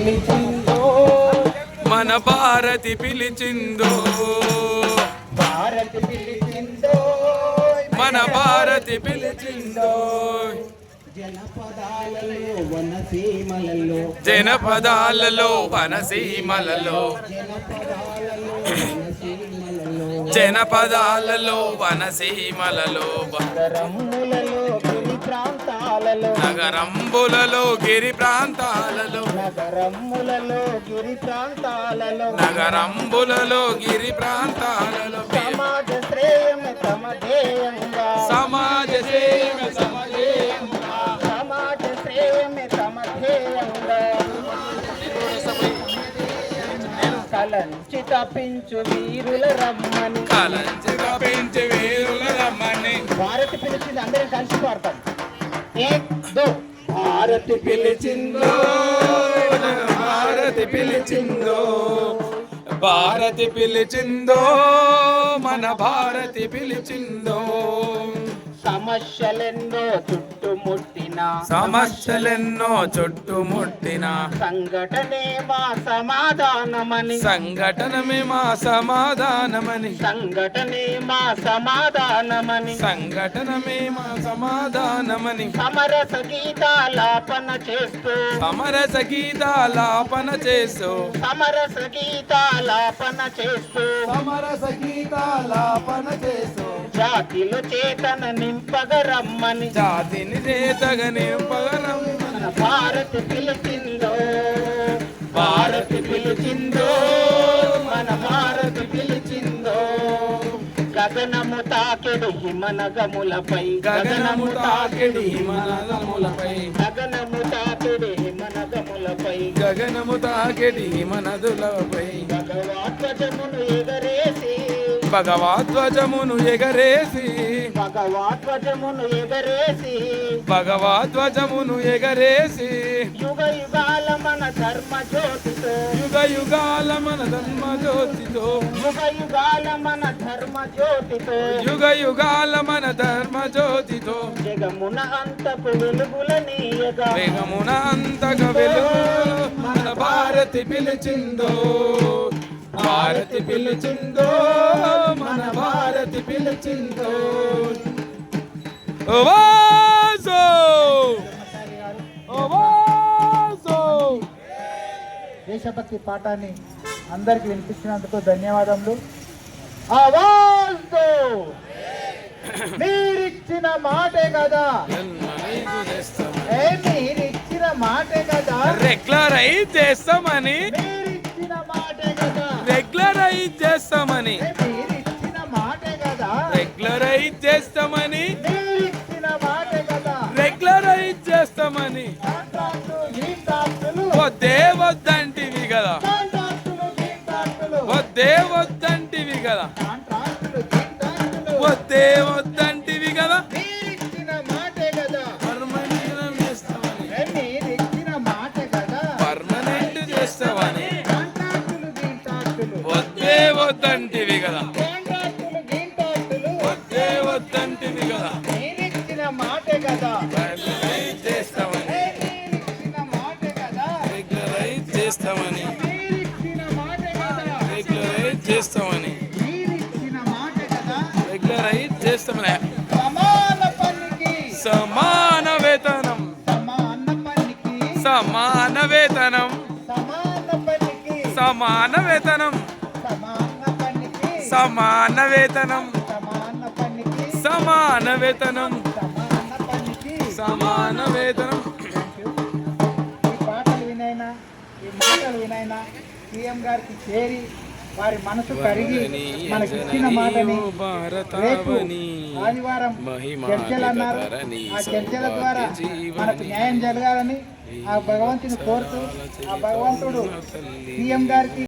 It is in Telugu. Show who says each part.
Speaker 1: పిలిచిందో
Speaker 2: మన భారతి పిలిచిందో
Speaker 1: భారతి పిలిచిందో
Speaker 2: మన భారతి పిలిచిందో
Speaker 1: జనపదాలలో వనసీమలలో
Speaker 2: జనపదాలలో వనసీమలలో జనపదాలలో వనసీమలలో
Speaker 1: నగరములలో గిరి ప్రాంతాలలో
Speaker 2: నగరంబులలో గిరి ప్రాంతాలలో
Speaker 1: నగరములలో గిరి ప్రాంతాలలో
Speaker 2: నగరంబులలో గిరి ప్రాంతాలలో
Speaker 1: సమాజ శ్రేయమే తమ ధ్యేయంగా
Speaker 2: సమాజ సేవ సమజేయంగా
Speaker 1: సమాజ శ్రేయమే తమ ధ్యేయంగా కలంచి తప్పించు వీరుల రమ్మని
Speaker 2: కలంచిగా పెంచి వేరుల రమ్మని
Speaker 1: భారతి పిలిచింది అందరం కలిసి పాడతాం ఏక్ దో భారతి పిలిచిందో
Speaker 2: భారతి పిలిచిందో భారతి పిలిచిందో మన భారతి పిలిచిందో
Speaker 1: సమస్యలెన్నో చుట్టుముట్టిన
Speaker 2: సమస్యలెన్నో చుట్టుముట్టిన
Speaker 1: సంఘటనే మా సమాధానమని
Speaker 2: సంఘటనమే మా సమాధానమని
Speaker 1: సంఘటనే మా సమాధానమని
Speaker 2: సంఘటనమే మా సమాధానమని
Speaker 1: సమరస గీతాలాపన చేస్తూ
Speaker 2: సమరస గీతాలాపన చేస్తూ
Speaker 1: సమరస గీతాలాపన చేస్తూ
Speaker 2: సమరస గీతాలాపన చేస్తూ
Speaker 1: జాతిలో చేతన నింపగరమ్మని
Speaker 2: జాతిని చేతగనే పగరం
Speaker 1: మన భారతి పిలిచిందో భారతి పిలిచిందో మన భారతి పిలిచిందో గగనము తాకెడు హిమనగములపై
Speaker 2: గగనము తాకిడి మనదములపై
Speaker 1: గగనము తాకెడు హిమనగములపై
Speaker 2: గగనము తాకిడి మనదులపై
Speaker 1: భగవాధ్వజమును ఎగరేసి
Speaker 2: భగవద్ధ్వజమును ఎగరేసి
Speaker 1: భగవాధ్వజమును ఎగరేసి
Speaker 2: భగవద్ధ్వజమును ఎగరేసి
Speaker 1: యుగ యుగాల మన ధర్మ జ్యోతితో
Speaker 2: యుగ యుగాల మన ధర్మ జ్యోతితో
Speaker 1: యుగ యుగాల మన ధర్మ జ్యోతితో
Speaker 2: యుగ యుగాల మన ధర్మ జ్యోతితో
Speaker 1: జగమున అంతకు వెలుగులనీయగా
Speaker 2: వేగమున అంతక వెలుగు మన భారతి పిలిచిందో భారతి పిలిచిందో మన భారతి పిలిచిందో ఓవాసో ఓవాసో
Speaker 1: దేశభక్తి పాఠాన్ని అందరికి వినిపించినందుకు ధన్యవాదములు. ఆవాజ్తో మీరిచ్చిన మాటే కదా మీరిచ్చిన మాటే కదా
Speaker 2: రెగ్యులరైజ్ చేస్తామని
Speaker 1: మీరిచ్చిన మాటే కదా
Speaker 2: రెగ్యులరైజ్ చేస్తామని
Speaker 1: మీరిచ్చిన మాటే కదా
Speaker 2: రెగ్యులరైజ్ చేస్తామని
Speaker 1: మీరిచ్చిన మాటే కదా
Speaker 2: రెగ్యులరైజ్ చేస్తామని
Speaker 1: కాంట్రాక్టులు గీంట్రాక్టులు
Speaker 2: వద్దే వద్దంటివి కదా
Speaker 1: కాంట్రాక్టులు గీంట్రాక్టులు
Speaker 2: వద్దే వద్దంటివి కదా
Speaker 1: కాంట్రాక్టులు గీంట్రాక్టులు
Speaker 2: వద్దే వద్దంటివి కదా
Speaker 1: మీరిచ్చిన మాటే కదా
Speaker 2: పర్మనెంట్ చేస్తామని
Speaker 1: మీరిచ్చిన మాటే కదా
Speaker 2: పర్మనెంట్ చేస్తామని
Speaker 1: కాంట్రాక్టులు గీంట్రాక్టులు
Speaker 2: వద్దే వద్దంటివి కదా
Speaker 1: కాంట్రాక్టులు గీంట్రాక్టులు
Speaker 2: వద్దే వద్దంటివి కదా
Speaker 1: మీరిచ్చిన మాటే కదా
Speaker 2: రెగ్యులరైజ్ చేస్తామని
Speaker 1: మీరిచ్చిన మాటే కదా
Speaker 2: రెగ్యులరైజ్ చేస్తామని
Speaker 1: మీరిచ్చిన మాటే కదా
Speaker 2: రెగ్యులరైజ్ చేస్తామని
Speaker 1: మీరిచ్చిన మాటే కదా
Speaker 2: రెగ్యులరైజ్ చేస్తామని
Speaker 1: సమాన పనికి
Speaker 2: సమాన వేతనం
Speaker 1: సమాన పనికి
Speaker 2: సమాన వేతనం
Speaker 1: సమాన పనికి
Speaker 2: సమాన వేతనం
Speaker 1: సమాన పనికి
Speaker 2: సమాన వేతనం
Speaker 1: సమాన పనికి
Speaker 2: సమాన వేతనం
Speaker 1: సమాన పనికి
Speaker 2: సమాన వేతనం
Speaker 1: ఈ పాటలు వినైనా ఈ మాటలు వినైనా సీఎం గారికి చేరి వారి మనసు కరిగి మనకి ఇచ్చిన మాటని రేపు ఆదివారం చర్చలు అన్నారు ఆ చర్చల ద్వారా మనకు న్యాయం జరగాలని ఆ భగవంతుని కోరుతూ ఆ భగవంతుడు సీఎం గారికి